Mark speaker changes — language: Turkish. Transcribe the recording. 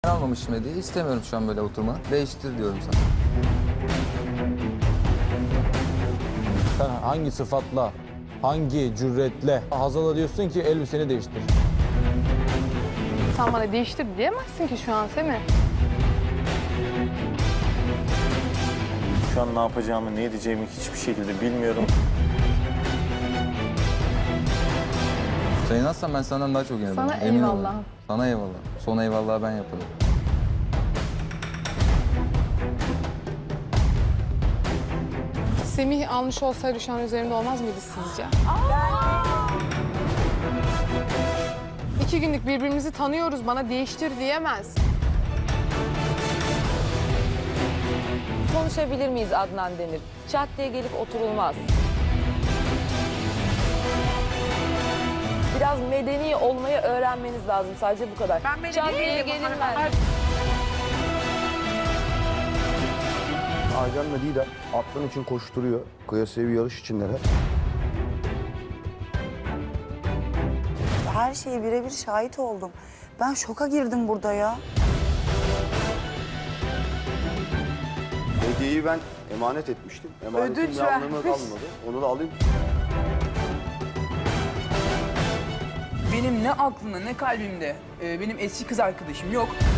Speaker 1: Ben almamışım hediye. İstemiyorum şu an böyle oturma. Değiştir diyorum sana.
Speaker 2: Sen hangi sıfatla, hangi cüretle Hazal'a diyorsun ki elbiseni değiştir?
Speaker 3: Sen bana değiştir diyemezsin ki şu an Semih.
Speaker 4: Şu an ne yapacağımı, ne edeceğimi hiçbir şekilde bilmiyorum.
Speaker 1: Sen inatsan ben senden daha çok inanırım.
Speaker 3: Sana
Speaker 1: Emin ol.
Speaker 3: eyvallah.
Speaker 1: Sana eyvallah. Son eyvallahı ben yaparım.
Speaker 3: Semih almış olsaydı şu an üzerinde olmaz mıydı sizce? 2 günlük birbirimizi tanıyoruz. Bana değiştir diyemez.
Speaker 5: Konuşabilir miyiz Adnan Demir? Çat diye gelip oturulmaz. Biraz medeni olmayı öğrenmeniz lazım. Sadece bu kadar.
Speaker 6: Ben medeni
Speaker 5: Çat diye
Speaker 6: değilim.
Speaker 5: gelinmez.
Speaker 7: Aycan'la Didem atların için koşturuyor. Kıyasıya bir yarış içindeler.
Speaker 8: Her şeye birebir şahit oldum. Ben şoka girdim burada ya.
Speaker 7: Hediyeyi ben emanet etmiştim. Emanetin
Speaker 8: Ödünç
Speaker 7: bir anlamı
Speaker 8: vermiş.
Speaker 7: kalmadı. Onu da alayım.
Speaker 6: Benim ne aklımda ne kalbimde benim eski kız arkadaşım yok.